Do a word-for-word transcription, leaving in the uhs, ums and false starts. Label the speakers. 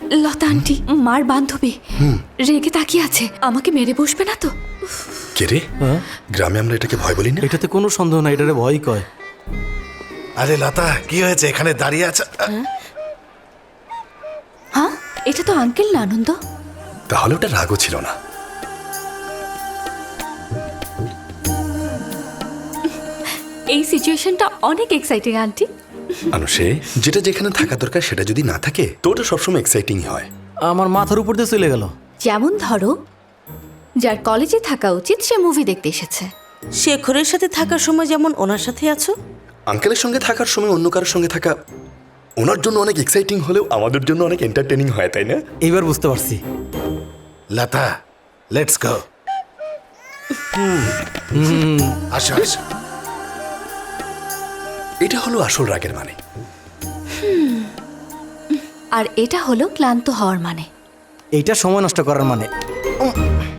Speaker 1: লতা aunty মার বান্ধবী রেগে তাকিয়ে আছে, আমাকে মেরে বসবে না তো?
Speaker 2: কে রে? গ্রামে আমরা এটাকে ভয় বলি না।
Speaker 3: এটাতে কোনো সন্দেহ নাই, এটারে ভয় কয়।
Speaker 4: আরে লতা, কি হয়েছে? এখানে দাঁড়িয়ে আছে?
Speaker 1: হ্যাঁ, এটা তো আঙ্কেল না আনন্দ।
Speaker 2: তাহলে ওটা রাগও ছিল না।
Speaker 1: এই সিচুয়েশনটা অনেক এক্সাইটিং আন্টি।
Speaker 2: আনুষে, যেটা যেখানে থাকা দরকার সেটা যদি না থাকে তো ওটা সবসময় এক্সাইটিং হয়।
Speaker 3: আমার মাথার উপর দিয়ে চলে গেল।
Speaker 1: যেমন ধরো, যার কলেজে থাকা উচিত সে মুভি দেখতে এসেছে।
Speaker 5: শেখরের সাথে থাকার সময় যেমন ওনার সাথে আছো।
Speaker 2: আঙ্কেলের সঙ্গে থাকার সময় অন্য কারোর সঙ্গে থাকা ওনার জন্য অনেক এক্সাইটিং হলেও আমাদের জন্য অনেক এন্টারটেইনিং হয়, তাই না?
Speaker 3: এইবার বুঝতে পারছি।
Speaker 4: Lata, let's go. আসো আসো।
Speaker 2: এটা হলো আসল রাগের মানে।
Speaker 1: আর এটা হলো ক্লান্ত হওয়ার মানে।
Speaker 3: এইটা সময় নষ্ট করার মানে।